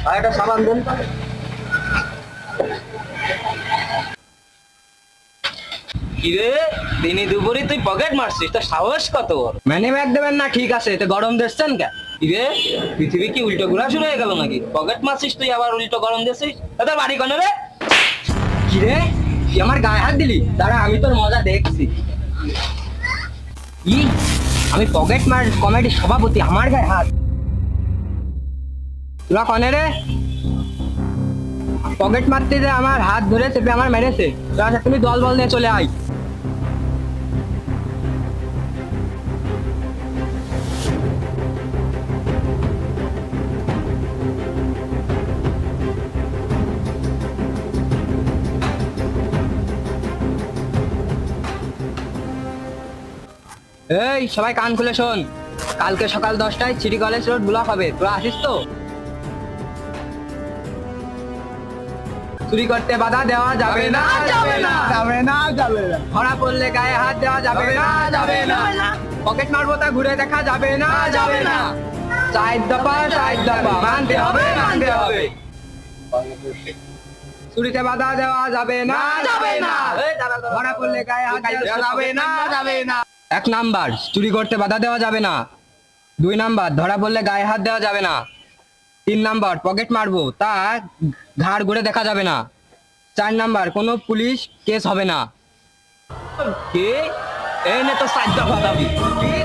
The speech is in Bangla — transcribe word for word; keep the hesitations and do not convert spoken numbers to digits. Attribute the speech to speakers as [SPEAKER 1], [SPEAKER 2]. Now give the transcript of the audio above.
[SPEAKER 1] আর একটা সাবান দেন।
[SPEAKER 2] কিরে দিনে দুপুরে তুই পকেট মারছিস, তো সাহস কত বড়?
[SPEAKER 1] মানি ব্যাগ দেবেন না, ঠিক আছে, তো গরম দিচ্ছেন কে?
[SPEAKER 2] কিরে পৃথিবী কি উল্টো ঘোরা শুরু হয়ে গেল নাকি? পকেট মারছিস তুই আবার উল্টো গরম দিছিস? তোর বাড়ি কোনে রে?
[SPEAKER 1] কি রে, তুই আমার গায়ে হাত দিলি? দাঁড়া, আমি তোর মজা দেখছি। ই, আমি পকেট মার কমিটির সভাপতি, আমার গায়ে হাত? তোরা কনে রে? পকেট মারতে যে আমার হাত ধরে চেপে আমার মেরেছে। তোরা তুমি দল বল নিয়ে চলে আয়। এই সবাই কান খুলে শোন, কালকে সকাল দশটায় সিটি কলেজ রোড ব্লক হবে, তোরা আসিস তো? চুরি করতে বাধা দেওয়া যাবে না, যাবে না,
[SPEAKER 3] যাবে না যাবে না
[SPEAKER 1] ধরা পড়লে গায়ে হাত দেওয়া যাবে না, যাবে না, পকেট মারবো তা ঘুরে দেখা যাবে না, যাবে না, চার দফা চার দফা মানতে হবে, মানতে হবে। চুরিতে বাধা দেওয়া যাবে না, যাবে না, ধরা পড়লে গায়ে হাত দেওয়া যাবে না, যাবে না। এক নাম্বার, চুরি করতে বাধা দেওয়া যাবে না। দুই নাম্বার, ধরা পড়লে গায়ে হাত দেওয়া যাবে না। তিন নাম্বার, পকেট মারবো তা ঘাড় ঘুরে দেখা যাবে না। চার নাম্বার, কোনো পুলিশ কেস হবে না।
[SPEAKER 2] কে এই নে তো সাইড দফা দাবি।